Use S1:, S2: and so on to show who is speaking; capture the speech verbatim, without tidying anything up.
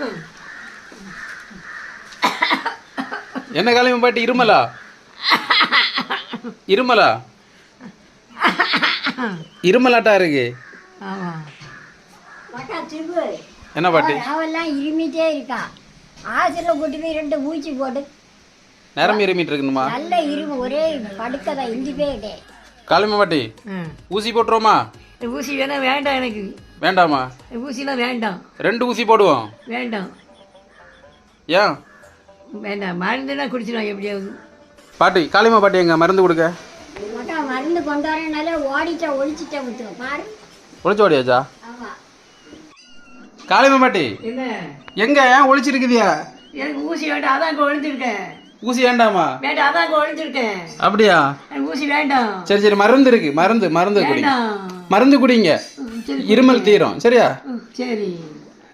S1: என்ன காலைமை பாட்டி இருமலா இருமலா இருமலாட்டா இருக்கு. என்ன பாட்டி
S2: அவெல்லாம் இருமிட்டே இருக்கா. ஆசிரியர் கூட்டி போய் ரெண்டு ஊசி போட்டு
S1: நேரம் இருமிட்டு இருக்கணுமா?
S2: நல்ல இருமு ஒரே படுக்கதான் இந்திப்பே கிட்டே.
S1: காலைமை பாட்டி ஊசி போட்டுருவோமா?
S3: ஊசி வேணா வேண்டாம் எனக்கு.
S1: வேண்டாமா?
S3: ஊசிலாம் வேண்டாம்.
S1: ரெண்டு ஊசி போடுவோம்.
S3: வேண்டாம்.
S1: ஏன்
S3: வேண்டாம்? மருந்துனா குடிச்சிடும் எப்படியாவது.
S1: பாட்டி காளிமா பாட்டி எங்க மருந்து கொடுக்க?
S2: மருந்து கொண்டு வரனால ஓடிச்சா ஒழிச்சிட்டா விட்டுரும் பாரு.
S1: ஒழிச்சு ஓடியாச்சா? காளிமா பாட்டி
S3: என்ன
S1: எங்க ஏன் ஒழிச்சிருக்குதியா?
S3: எனக்கு ஊசி வேண்டாம், அதான் இங்கே ஒழிஞ்சிருக்கேன்.
S1: ஊசி வேண்டாமா?
S3: வேண்டாம், அதான் இங்கே ஒழிஞ்சிருக்கேன்.
S1: அப்படியா?
S3: எனக்கு ஊசி வேண்டாம்.
S1: சரி சரி மருந்து இருக்கு, மருந்து மருந்து குடிங்க.
S3: வேண்டாம்.
S1: மருந்து குடிங்க, இருமல் தீரும். சரியா?
S3: சரி.